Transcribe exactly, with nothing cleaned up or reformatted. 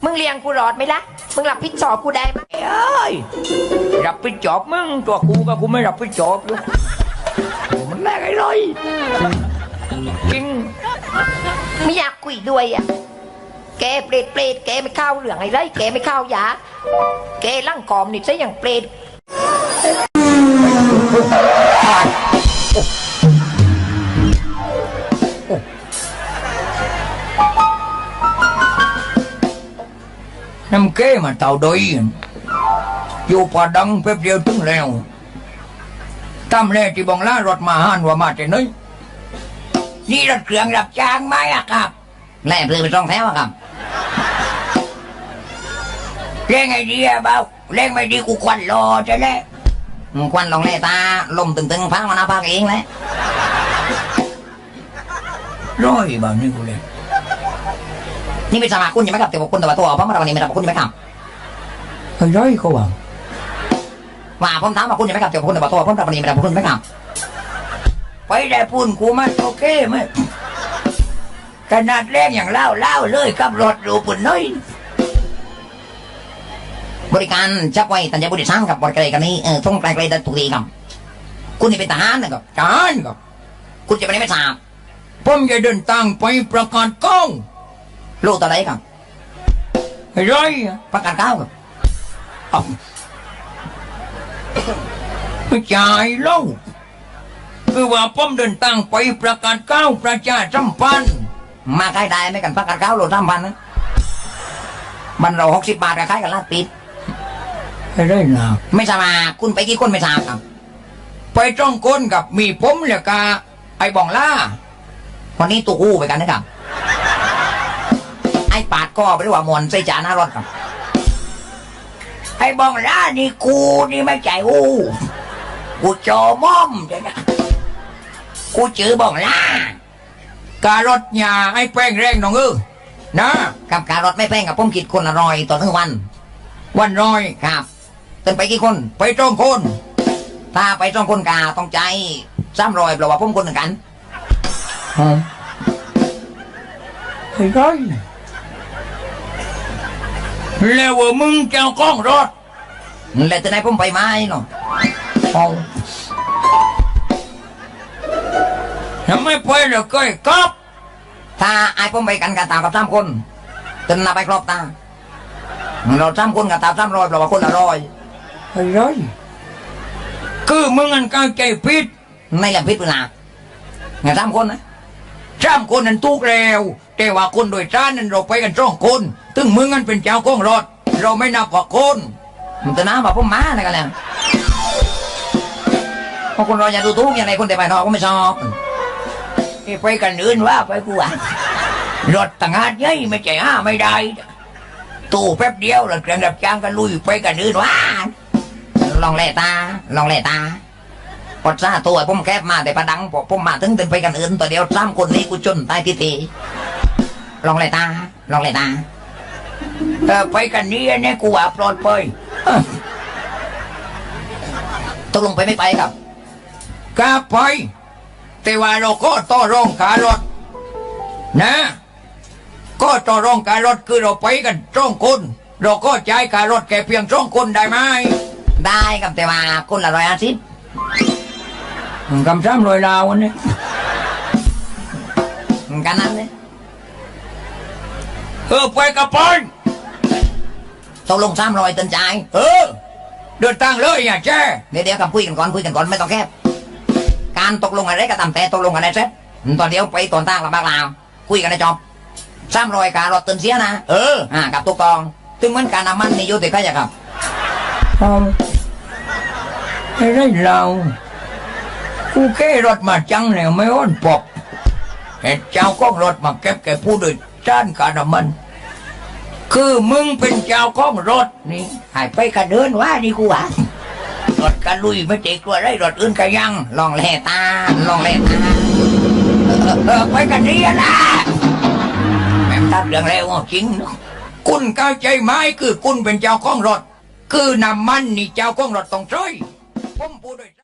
มึงเลี้ยงกูรอดไหมล่ะมึงรับผิดชอบกูได้ไหมเอ้ยรับผิดชอบมึงตัวกูก็กูไม่รับผิดชอบอยู่มันแรกไอ้เลยจริงไม่อยากคุยด้วยอ่ะแกเปรตเปรตแกไม่เข้าเหลืองไอ้ไรแกไม่เข้ายาแกร่างกอมนี่ซะอย่างเปรตน้ำเก้มาเต่าดอยอยู่ป่าดังเป๊บเดียวถึงแล้วตั้มแรกที่บองล่ารถมาหันว่ามาแต่น้อยนี่รถเครื่องรับจ้างไหมอะครับแล่เปลือยไปต้องแถวอะครับเร่งไอเดียเบาเร่งไม่ดีกูควันรอจะแล่ควันลองแล่ตาลมตึงๆพังมาหน้าพักเองแหละร้อยแบบนี้กูเลยนี่ไม่สมัครคุณยังไม่กลับแต่ว่าคุณแต่ว่าตัวเพราะเมื่อวันนี้ไม่รับคุณยังไม่กลับเฮ้ยร้อยเขาว่าว่าผมถามว่าคุณยังไม่กลับแต่ว่าคุณแต่ว่าตัวผมแต่วันนี้ไม่รับคุณไม่กลับไปได้พูนกูมันโอเคไหมขนาดแรงอย่างเล่าเล่าเลยขับรถดูปุ่นน้อยบริการชักไว้ตันใจบุรีสร้างกับบริการกันนี้เออท่องไกลๆดันตุลีครับคุณนี่เป็นทหารนะครับทหารครับคุณจะไปไหนไม่ทราบผมจะเดินทางไปประกาศก้องลูกตัวไหนครับไอ้ร้อยประกาศก้าวครับไม่จ่ายเล่าคือว่าผมเดินทางไปประกาศก้าวประชาสัมพันธ์มาใกล้ได้ไม่กันประกาศก้าวโลสัมพันธ์นะมันเราหกสิบบาทกับใครกันลาดปิดไม่ได้หรอกไม่ทราบคุณไปกี่คนไม่ทราบครับไปจ้องคนกับมีผมเลยกาไอ้บองล่าวันนี้ตัวกู้ไปกันนะครับไอ้ปาดก็ไปด้วยว่ามอนใส่จานหน้ารถครับไอ้บองล่านี่กูนี่ไม่ใจอู้กูโจม่อมเดี๋ยวนะกูจื้อบองล่าการถยาไอ้แป้งแรงน้องเออนะกับการถไม่แป้งกับผมคิดคนละร้อยต่อทั้งวันวันร้อยครับเต้นไปกี่คนไปจ้องคนถ้าไปจ้องคนกาต้องใจซ้ำรอยเพราะว่าผมคนหนึ่งกันเฮ้ยร้อยแล้วว่ามึงเจ้ากล้องรถแล้วจะไหนผมไปไหมเนาะเอาทำไมไปแล้วก็ครับถ้าไอ้ผมไปกันกับตากับสามคนจนนับไปครบตาเราสามคนกับตาสามร้อยเราว่าคนละร้อยเฮ้ยร้อยคือมึงอันกางใจพิษในแหล่งพิษเวลาไงสามคนนะสามคนนั้นทุกแล้วแต่ว่าคนโดยสารนั้นเราไปกันสองคนถึงมึงอันเป็นเจ้าของรถเราไม่นับว่าคนมันจะน้ำแบบพวกม้าอะไรกันแล้วเพราะคนเราอย่าดูทุกอย่างไรคนแต่ไปนอกก็ไม่ชอบไปกันอื่นว่าไปกูอ่ะรถต่างหากยัยไม่ใจห้าไม่ได้ตู้แป๊บเดียวเราเครื่องดับจ้างกันลุยไปกันอื่นว่าลองแล่ตาลองแล่ตาพอซาตัวผมแคบมาแต่ประดังพอผมมาถึงเดินไปกันอื่นตัวเดียวสามคนนี้กูจนตายทีทีลองแล่ตาลองแล่ตาเออไปกันนี้เนี่ยกูว่าปลอดภัยตกลงไปไม่ไปครับกล้าไปแต่ว่าเราก็ต่อรองขารถนะก็ต่อรองขารถคือเราไปกันสองคนเราก็จ่ายขารถแค่เพียงสองคนได้ไหมได้ครับแต่ว่าคนละร้อยห้าสิบกำซ้ำร้อยลาววันนี้กันนั้นเลยเออไปกับปอนตกลงซ้ำร้อยตันใจเออเดินทางเลยอย่าแช่เดี๋ยวเดี๋ยวกับคุยกันก่อนคุยกันก่อนไม่ต้องแคบการตกลงอะไรก็ตามแต่ตกลงกันได้เสร็จตอนเดียวไปตอนตั้งลำบากลาวคุยกันได้จบซ้ำรอยการรถตื่นเสียนะเอออ่ากับตุกตองถึงเหมือนการน้ำมันนี่ยุติใครจะครับไม่ได้เรากูแค่รถมาจังแล้วไม่อ้อนปอบเห็นเจ้าของรถมาเก็บแกผู้โดยสารการน้ำมันคือมึงเป็นเจ้าของรถนี่หายไปกันเดินว่านี่กูอ่ะรถกันลุยไม่เจ๊กลัวได้รถอื่นกันยังลองแล่ตาลองแล่ตาเออไปกันนี่นะแม่ตัดเรื่องแล้วจริงคุณเข้าใจไหมคือคุณเป็นเจ้าของรถคือน้ำมันนี่เจ้าของรถต้องช่วยผมพูดด้วย